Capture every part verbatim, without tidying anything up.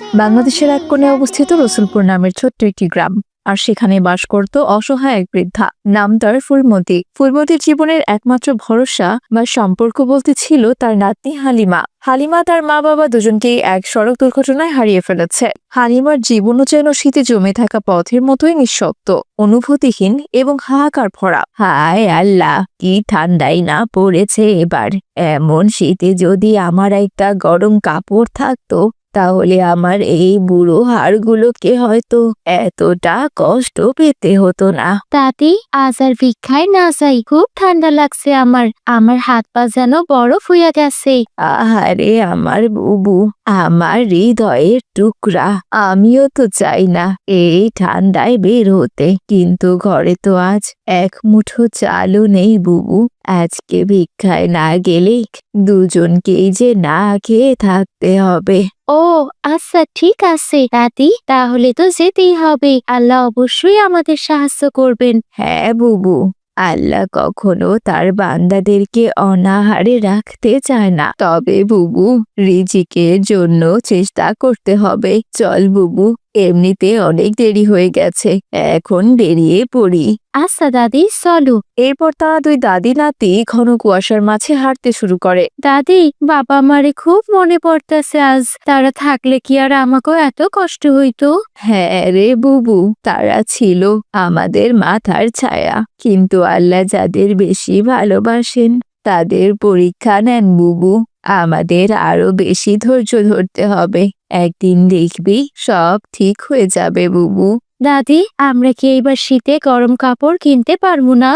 বাংলাদেশের এক কোণে অবস্থিত রসুলপুর নামের ছোট্ট একটি গ্রাম, আর সেখানে বাস করত অসহায় এক বৃদ্ধা। নাম তার ফুলমতি। ফুলমতির জীবনের একমাত্র ভরসা বা সম্পর্ক বলতে ছিল তার নাতনি হালিমা। হালিমা তার মা বাবা দুজনকেই এক সড়ক দুর্ঘটনায় হারিয়ে ফেলেছে। হালিমার জীবনও যেন শীতে জমে থাকা পথের মতোই নিঃশব্দ, অনুভূতিহীন এবং হাহাকার ভরা। হায় আল্লাহ, কি ঠান্ডাই না পড়েছে এবার। এমন শীতে যদি আমার একটা গরম কাপড় থাকতো, তাহলে আমার এই বুড়ো হাড়গুলোকে হয়তো এতটা কষ্ট পেতে হতো না। দাদি, আজ আর ভিক্ষায় না যাই, খুব ঠান্ডা লাগছে আমার। আমার হাত পা যেন বরফ হইয়া গেছে। আহারে আমার বুবু, আমার হৃদয়ের টুকরা, আমিও তো চাই না এই ঠান্ডায় বের হতে, কিন্তু ঘরে তো আজ এক মুঠো চালও নেই বুবু। আজকে ভিক্ষায় না গেলে দুজনকেই যে না খেয়ে থাকতে হবে। ও আচ্ছা, ঠিক আছে দাদি, তাহলে তো যেতেই হবে। আল্লাহ অবশ্যই আমাদের সাহায্য করবেন। হ্যাঁ বুবু, আল্লাহ কখনো তার বান্দাদেরকে অনাহারে রাখতে চায় না। তবে বুবু, রিজিকের জন্য চেষ্টা করতে হবে। চল বুবু, এমনিতে অনেক দেরি হয়ে গেছে, এখন বেরিয়ে পড়ি। আচ্ছা দাদি, চলো। এরপর তারা দুই দাদি নাতি ঘন কুয়াশার মাঝে হাঁটতে শুরু করে। দাদি, বাবা মারে খুব মনে পড়তেছে আজ। তারা থাকলে কি আর আমাকেও এত কষ্ট হইতো? হ্যাঁ রে বুবু, তারা ছিল আমাদের মাথার ছায়া, কিন্তু আল্লাহ যাদের বেশি ভালোবাসেন তাদের পরীক্ষা নেন বুবু। আমাদের আরো বেশি ধৈর্য ধরতে হবে, একদিন দেখবি সব ঠিক হয়ে যাবে বুবু। দাদি, আমরা কি এইবার শীতে গরম কাপড় কিনতে পারবো না?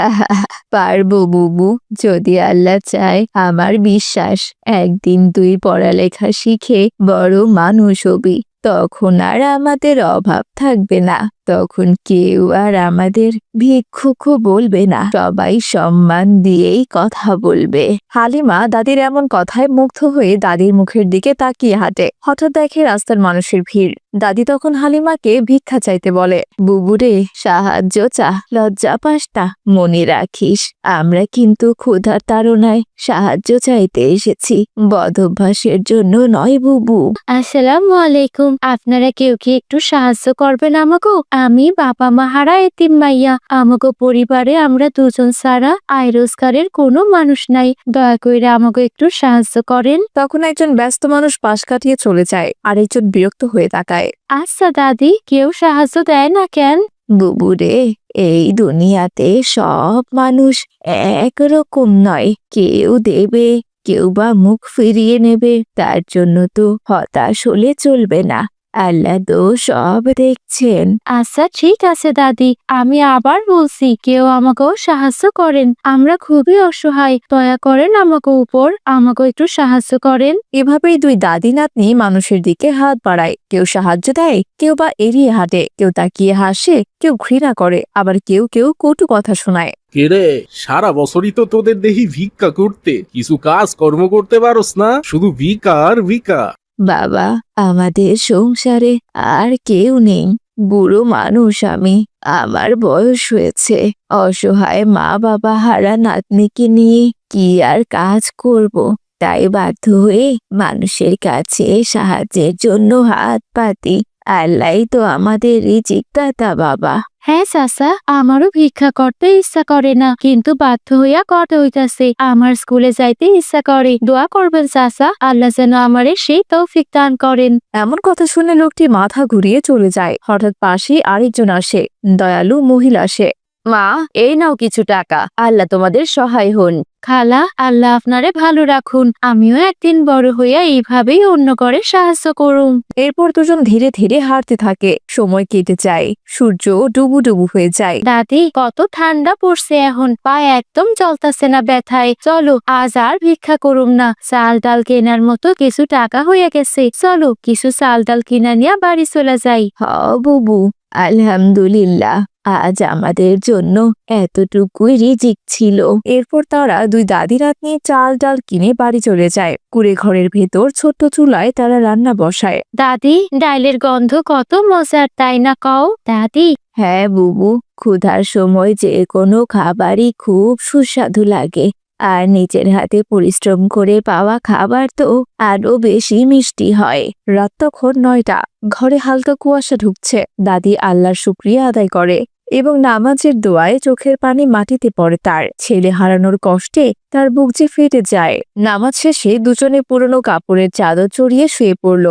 পারবো বুবু, যদি আল্লাহ চায়। আমার বিশ্বাস একদিন তুই পড়ালেখা শিখে বড় মানুষ হবি, তখন আর আমাদের অভাব থাকবে না। তখন কেউ আর আমাদের ভিক্ষুকও বলবে না, সবাই সম্মান দিয়েই কথা বলবে। হালিমা দাদির এমন কথায় মুগ্ধ হয়ে দাদির মুখের দিকে তাকিয়ে হাঁটে। হঠাৎ দেখে রাস্তার মানুষের ভিড়। দাদি তখন হালিমাকে ভিক্ষা চাইতে বলে। বুবুরে, সাহায্য চা, লজ্জা পাস না। মনে রাখিস, আমরা কিন্তু ক্ষুধার তাড়নায় সাহায্য চাইতে এসেছি, বদ অভ্যাসের জন্য নয় বুবু। আসসালামু আলাইকুম। আপনারা কেউ কি একটু সাহায্য করবেন আমাকে? আমি বাবা মা হারা এতিম মাইয়া। আমাকে পরিবারে আমরা দুজন ছাড়া আয় রোজগারের কোনো মানুষ নাই। দয়া করে আমাকে একটু সাহায্য করেন। তখন একজন ব্যস্ত মানুষ পাশ কাটিয়ে চলে যায়, আর একজন বিরক্ত হয়ে তাকায়। আচ্ছা দাদি, কেউ সাহায্য দেয় না কেন? বুবুরে, এই দুনিয়াতে সব মানুষ একরকম নয়। কেউ দেবে, কেউ বা মুখ ফিরিয়ে নেবে। তার জন্য তো হতাশ হলে চলবে না, আল্লাহ তো সব দেখছেন। আচ্ছা ঠিক আছে দাদি, আমি আবার বলছি, কেউ আমাকেও সাহায্য করেন। আমরা খুবই অসহায়, দয়া করেন আমাকে উপর, আমাকে একটু সাহায্য করেন। এভাবেই দুই দাদি নাতনি মানুষের দিকে হাত বাড়ায়। কেউ সাহায্য দেয়, কেউ বা এড়িয়ে হাঁটে, কেউ তাকিয়ে হাসে, কেউ ঘৃণা করে, আবার কেউ কেউ কটু কথা শোনায়। কেরে, সারা বছরই তো তোদের দেখি ভিক্ষা করতে, কিছু কাজ কর্ম করতে পারোস না, শুধু ভিক্ষা আর ভিক্ষা। বাবা, আমাদের সংসারে আর কেউ নেই। বুড়ো মানুষ আমি, আমার বয়স হয়েছে। অসহায় মা বাবা হারা নাতনিকে নিয়ে কি আর কাজ করব, তাই বাধ্য হয়ে মানুষের কাছে সাহায্যের জন্য হাত পাতি। আল্লাহ তো আমাদের রিজিক দাতা বাবা। হ্যাঁ চাচা, আমারও ভিক্ষা করতে ইচ্ছা করে না, কিন্তু বাধ্য হইয়া করতে হইতাছে। আমার স্কুলে যাইতে ইচ্ছা করে। দোয়া করবেন চাচা, আল্লাহ যেন আমারে সেই তৌফিক দান করেন। এমন কথা শুনে লোকটি মাথা ঘুরিয়ে চলে যায়। হঠাৎ পাশে আরেকজন আসে, দয়ালু মহিলা আসে। মা, এই নাও কিছু টাকা, আল্লাহ তোমাদের সহায় হন। খালা, আল্লাহ আপনারে ভালো রাখুন। আমিও একদিন বড় হইয়া এইভাবেই অন্য করে সাহায্য করুন। এরপর দুজন ধীরে ধীরে হাঁটতে থাকে। সময় কেটে যায়, সূর্য ডুবু ডুবু হয়ে যায়। দাদি, কত ঠান্ডা পড়ছে এখন, পা একদম চলতেছে না ব্যথায়। চলো, আজ আর ভিক্ষা করুম না। চাল ডাল কেনার মতো কিছু টাকা হয়ে গেছে, চলো কিছু চাল ডাল কিনা নিয়ে বাড়ি চলে যাই। হ বুবু, আলহামদুলিল্লাহ, আজ আমাদের জন্য এতটুকুই রিজিক ছিল। এরপর তারা দুই দাদি নাতনি চাল ডাল কিনে বাড়ি চলে যায়। কুড়ে ঘরের ভেতর ছোট্ট চুলায় তারা রান্না বসায়। দাদি, ডাইলের গন্ধ কত মজার, তাই না কও? দাদি, হ্যাঁ বুবু, ক্ষুধার সময় যে কোনো খাবারই খুব সুস্বাদু লাগে। আর নিজের হাতে পরিশ্রম করে পাওয়া খাবার তো আরো বেশি মিষ্টি হয়। রাত তখন নয়টা। ঘরে হালকা কুয়াশা ঢুকছে। দাদি আল্লাহর শুকরিয়া আদায় করে এবং নামাজের দোয়ায় চোখের পানি মাটিতে পড়ে তার। ছেলে হারানোর কষ্টে তার বুক যে ফেটে যায়। নামাজ শেষে দুজনে পুরনো কাপড়ের চাদর চড়িয়ে শুয়ে পড়ল।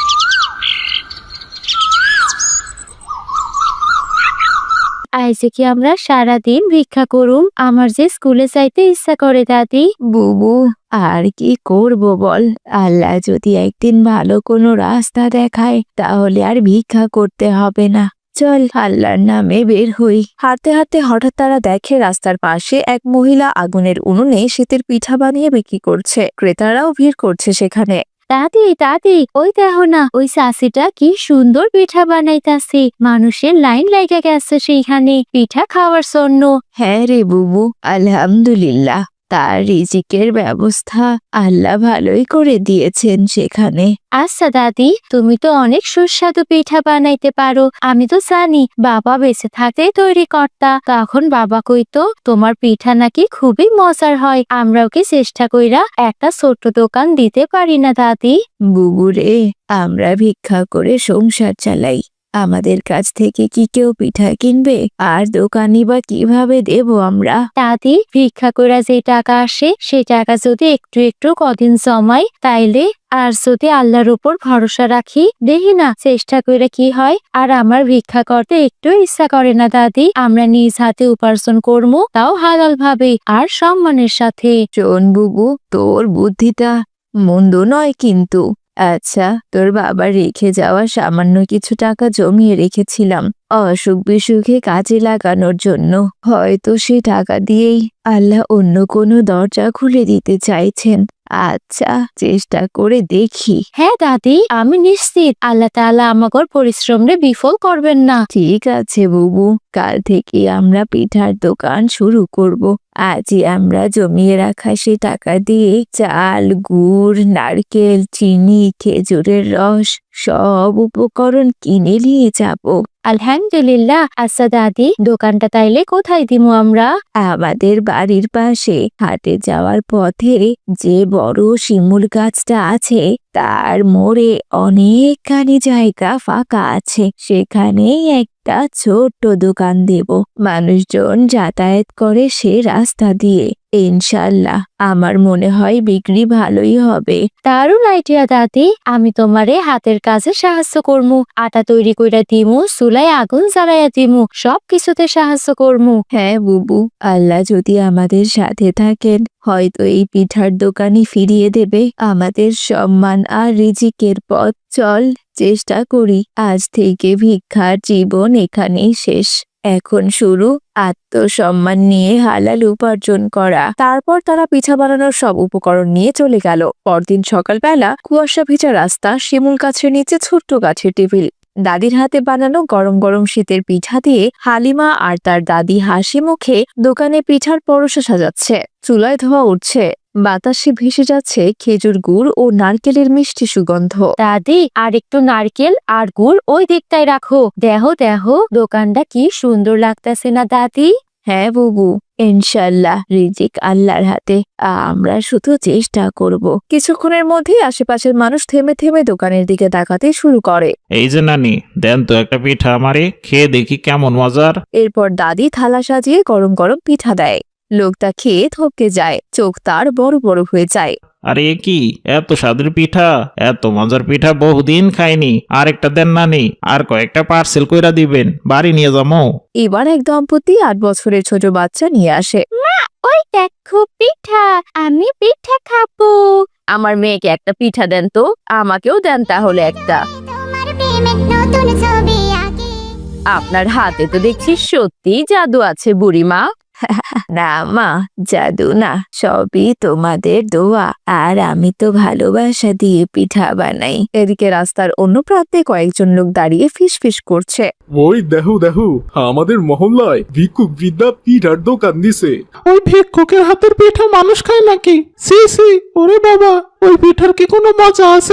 আইসে কি আমরা সারাদিন ভিক্ষা করুম? আমার যে স্কুলে যাইতে ইচ্ছা করে দাদি। বুবু, আর কি করব বল? আল্লাহ যদি একদিন ভালো কোনো রাস্তা দেখায় তাহলে আর ভিক্ষা করতে হবে না। চল আল্লাহর নামে বের হই। হাঁটতে হাঁটতে হঠাৎ তারা দেখে রাস্তার পাশে এক মহিলা আগুনের উনুনে শীতের পিঠা বানিয়ে বিক্রি করছে। ক্রেতারাও ভিড় করছে সেখানে। দাদি দাদি, ওই দেখো না, ওই চাষিটা কি সুন্দর পিঠা বানাইতাছে। মানুষের লাইন লেগে গেছে সেইখানে পিঠা খাওয়ার জন্য। হ্যাঁ রে বুবু, আলহামদুলিল্লাহ। তার রিজিকের ব্যবস্থা আল্লাহ ভালোই করে দিয়েছেন সেখানে। আচ্ছা দাদি, তুমি তো অনেক সুস্বাদু পিঠা বানাইতে পারো। আমি তো জানি বাবা বেঁচে থাকতেই তৈরি করতা। তখন বাবা কইতো তোমার পিঠা নাকি খুবই মজার হয়। আমরাও কি চেষ্টা কইরা একটা ছোট্ট দোকান দিতে পারি না দাদি? বুবু রে, আমরা ভিক্ষা করে সংসার চালাই। আমাদের কাছ থেকে কি কেউ পিঠা কিনবে? আর দোকানি বা কিভাবে দেব আমরা? দাদি, ভিক্ষা কইরা যে টাকা আসে সে টাকা যদি একটু একটু কদিন জমাই তাইলে, আর যদি আল্লাহর উপর ভরসা রাখি, দেখি না চেষ্টা করে কি হয়। আর আমার ভিক্ষা করতে একটু ইচ্ছা করে না দাদি। আমরা নিজ হাতে উপার্জন করবো, তাও হালাল ভাবে আর সম্মানের সাথে। শোন বুবু, তোর বুদ্ধিটা মন্দ নয় কিন্তু। আচ্ছা, তোর বাবা রেখে যাওয়া সামান্য কিছু টাকা জমিয়ে রেখেছিলাম অসুখ বিসুখে কাজে লাগানোর জন্য। হয়তো সে টাকা দিয়েই আল্লাহ অন্য কোনো দরজা খুলে দিতে চাইছেন। আচ্ছা, চেষ্টা করে দেখি। হ্যাঁ দাদি, আমি নিশ্চিত আল্লাহ তাআলা আমাগর পরিশ্রমে বিফল করবেন না। ঠিক আছে বুবু, কাল থেকে আমরা পিঠার দোকান শুরু করব। আজই আমরা জমিয়ে রাখা সে টাকা দিয়ে চাল, গুড়, নারকেল, চিনি, খেজুরের রস সব উপকরণ কিনে নিয়ে যাব। আলহামদুলিল্লাহ। আচ্ছা দাদি, দোকানটা তাইলে কোথায় দিমু আমরা? আমাদের বাড়ির পাশে হাটে যাওয়ার পথে যে বড় শিমুল গাছটা আছে তার মোড়ে অনেকখানি জায়গা ফাঁকা আছে। সেখানেই একটা ছোট্ট দোকান দেব। মানুষজন যাতায়াত করে সে রাস্তা দিয়ে। ইনশাল্লাহ আমার মনে হয় বিক্রি ভালোই হবে। দারুণ আইডিয়া দাদি। আমি তোমারে হাতের কাজে সাহায্য করমু। আটা তৈরি কইরা দিমু, চুলায় আগুন জ্বালাইয়া দিমু, সব কিছুতে সাহায্য করমু। হ্যাঁ বুবু, আল্লাহ যদি আমাদের সাথে থাকেন হয়তো এই পিঠার দোকানই ফিরিয়ে দেবে আমাদের সম্মান আর রিজিকের পথ। চল চেষ্টা করি। আজ থেকে ভিক্ষার জীবন এখানেই শেষ। এখন শুরু আত্মসম্মান নিয়ে হালাল উপার্জন করা। তারপর তারা পিঠা বানানোর সব উপকরণ নিয়ে চলে গেল। পরদিন সকালবেলা কুয়াশা ভেজা রাস্তা, শিমুল গাছের নিচে ছোট্ট গাছের টেবিল। দাদির হাতে বানানো গরম গরম শীতের পিঠা দিয়ে হালিমা আর তার দাদি হাসি মুখে দোকানে পিঠার পরশা সাজাচ্ছে। চুলায় ধোয়া উঠছে, বাতাসে ভেসে যাচ্ছে খেজুর গুড় ও নারকেলের মিষ্টি সুগন্ধ। দাদি, আর একটু নারকেল আর গুড় ওই দিকটায় রাখো। দেহ দেহ দোকানটা কি সুন্দর লাগতেছে না দাদি? হ্যাঁ বুবু, ইনশাল্লাহ রিজিক আল্লাহর হাতে। আমরা শুধু চেষ্টা করব। কিছুক্ষণের মধ্যেই আশেপাশের মানুষ থেমে থেমে দোকানের দিকে তাকাতে শুরু করে। এই যে নানি, দেন তো একটা পিঠা আমারে, খেয়ে দেখি কেমন মজার। এরপর দাদি থালা সাজিয়ে গরম গরম পিঠা দেয়। লোকটা খেয়ে থপকে যায়, চোখ তার বড় বড় হয়ে যায়। আরে এ কি, এত স্বাদের পিঠা, এত মজার পিঠা বহুদিন খাইনি। আরেকটা দেন নানি, আর কয়েকটা পার্সেল কইরা দিবেন, বাড়ি নিয়ে যাবো। এবার এক দম্পতি আট বছরের ছোট বাচ্চা নিয়ে আসে। ওই দেখো পিঠা, আমি পিঠা খাবো। আমার মেয়েকে একটা পিঠা দেন তো, আমাকেও দেন তাহলে একটা। আপনার হাতে তো দেখছি সত্যি জাদু আছে বুড়িমা। না মা, জাদু না, সবই তোমাদের দোয়া। আর আমি তো ভালোবাসা দিয়ে পিঠা বানাই। এদিকে রাস্তার অন্য প্রান্তে কয়েকজন লোক দাঁড়িয়ে ফিস ফিস করছে। ওই দেখো দেখো, আমাদের মহল্লায় ভিক্ষুক বৃদ্ধা পিঠার দোকান দিছে। ওই ভিক্ষুকের হাতের পিঠা মানুষ খায় নাকি? সি সি, ওরে বাবা, ওই পিঠার কি কোনো মজা আছে?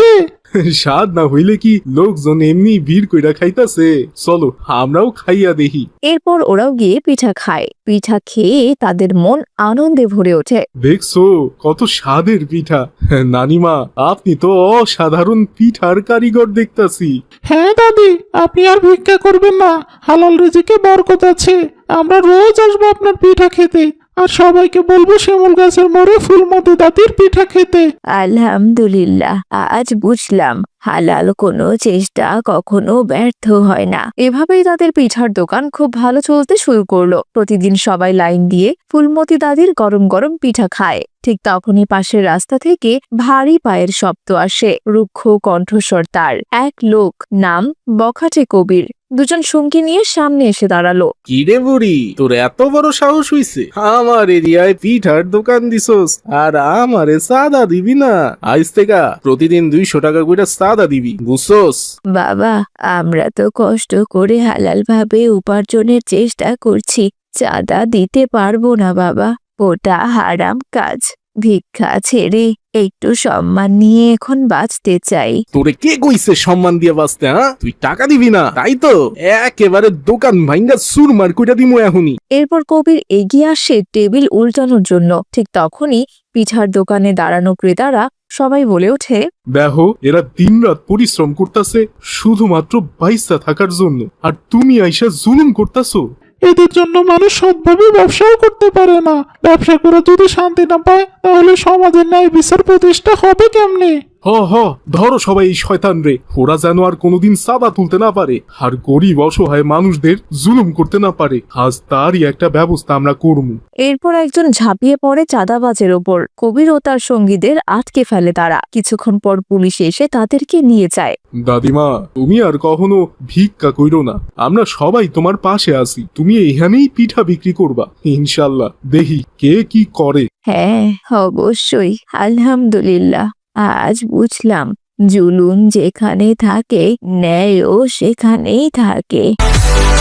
স্বাদ না হইলে কি লোকজন এমনি ভিড় কইরা খাইতাছে? চলো আমরাও খাইয়া দেখি। এরপর ওরাও গিয়ে পিঠা খায়। পিঠা খেয়ে তাদের মন আনন্দে ভরে ওঠে। দেখছো কত স্বাদের পিঠা। নানিমা, আপনি তো অসাধারণ পিঠার কারিগর দেখতাছি। হ্যাঁ দাদি, আপনি আর ভিক্ষা করবেন না, হালাল রিজিকে বরকত আছে। আমরা রোজ আসবো আপনার পিঠা খেতে, আর সবাইকে বলবো শিমুল গাছের মোড়ে ফুলমতি দাদির পিঠা খেতে। আলহামদুলিল্লাহ, আজ বুঝলাম হালাল কোনো চেষ্টা কখনো ব্যর্থ হয় না। এভাবেই তাদের পিঠার দোকান খুব ভালো চলতে শুরু করলো। প্রতিদিন সবাই লাইন দিয়ে ফুলমতি দাদির গরম গরম পিঠা খায়। ঠিক তখনই পাশের রাস্তা থেকে ভারী পায়ের শব্দ আসে। রুক্ষ কণ্ঠস্বর তার। এক লোক, নাম বখাটে কবির, দুজন সঙ্গী নিয়ে সামনে এসে দাঁড়ালো। কিরে বুড়ি, তোর এত বড় সাহস হইছে আমার এরিয়ায় পিঠার দোকান দিছস, আর আমারে সাদা দিবি না? আজ থেকে প্রতিদিন দুইশো টাকা করে সাদা দিবি, বুঝছস? বাবা, আমরা তো কষ্ট করে হালাল ভাবে উপার্জনের চেষ্টা করছি, চাঁদা দিতে পারবো না বাবা, ওটা হারাম কাজ। ভিক্ষা ছেড়ে একটু সম্মান নিয়ে এখন বাঁচতে চাই। তোরে কে কইছে সম্মান দিয়ে বাঁচতে? হ্যাঁ, তুই টাকা দিবি না তাই তো একেবারে দোকান ভাঙ্গা সুরমার কইটা দিমু এখনই। এরপর কবির এগিয়ে আসে টেবিল উল্টানোর জন্য। ঠিক তখনই পিঠার দোকানে দাঁড়ানো ক্রেতারা সবাই বলে ওঠে, দেখো এরা দিনরাত পরিশ্রম করতেছে শুধুমাত্র বাইসা থাকার জন্য, আর তুমি আইসা জুলুম করতাছো। এদের জন্য মানুষ সৎভাবে ব্যবসাও করতে পারে না। ব্যবসা করে যদি শান্তি না পায়, তাহলে সমাজের ন্যায় বিচার প্রতিষ্ঠা হবে কেমনে? হ হ ধরো সবাই এই শয়তান রে, ওরা যেন আর কোনোদিন সাদা তুলতে না পারে, আর গরিব অসহায় মানুষদের জুলুম করতে না পারে। আজ তারই একটা ব্যবস্থা আমরা করবো। এরপর একজন ঝাঁপিয়ে পড়ে চাঁদাবাজের ওপর। কবির ও তার সঙ্গীদের আটকে ফেলে তারা। কিছুক্ষণ পর পুলিশ এসে তাদেরকে নিয়ে যায়। দাদিমা, তুমি আর কখনো ভিক্ষা কইরো না, আমরা সবাই তোমার পাশে আছি। তুমি এখানেই পিঠা বিক্রি করবা, ইনশাল্লাহ। দেখি কে কি করে। হ্যাঁ, অবশ্যই। আলহামদুলিল্লাহ, আজ বুঝলাম জুলুম যেখানে থাকে ন্যায়ও সেখানেই থাকে।